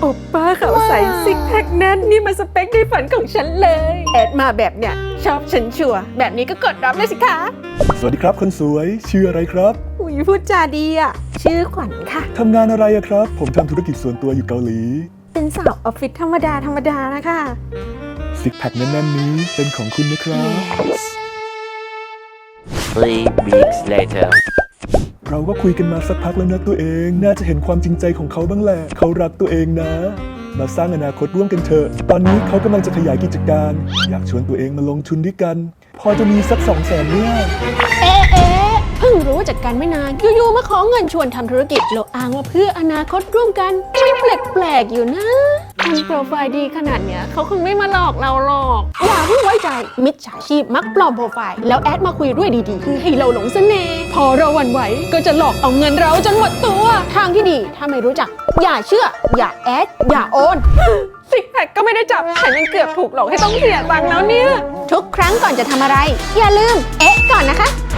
โอป้าขาวใสซิกแพคแน่นนี่มันสเปคในฝันของฉันเลยแอดมาแบบเนี้ยชอบฉันชัวร์แบบนี้ก็กดรับเลยสิคะสวัสดีครับคนสวยชื่ออะไรครับอุ้ยพูดจาดีอ่ะชื่อขวัญค่ะทำงานอะไรอะครับ ผมทำธุรกิจส่วนตัวอยู่เกาหลีเป็นสาวออฟฟิศธรรมดานะคะซิกแพคแน่นๆนี้เป็นของคุณนะครับ Three weeks later. เราก็คุยกันมาสักพักแล้วนะตัวเอง น่าจะเห็นความจริงใจของเขาบ้างแหละเขารักตัวเองนะ มาสร้างอนาคตร่วมกันเถอะ ตอนนี้เขากำลังจะขยายกิจการ อยากชวนตัวเองมาลงทุนด้วยกัน พอจะมีสัก200,000เนี่ยเพิ่งรู้จักกันไม่นานอยู่ๆมาขอเงินชวนทำธุรกิจแล้วอ้างว่าเพื่ออนาคตร่วมกันมันแปลกๆอยู่นะคนโปรไฟล์ดีขนาดเนี้ยเขาคงไม่มาหลอกเราหรอกอย่าเพิ่งไว้ใจมิจฉาชีพมักปลอมโปรไฟล์แล้วแอดมาคุยด้วยดีๆคือให้เราหลงเสน่ห์พอเราหวั่นไหวก็จะหลอกเอาเงินเราจนหมดตัวทางที่ดีถ้าไม่รู้จักอย่าเชื่ออย่าแอดอย่าโอนซิกแพคก็ไม่ได้จับฉันยังเกือบถูกหลอกให้ต้องเสียตังค์แล้วเนี่ยทุกครั้งก่อนจะทำอะไรอย่าลืมเอ๊ะก่อนนะคะ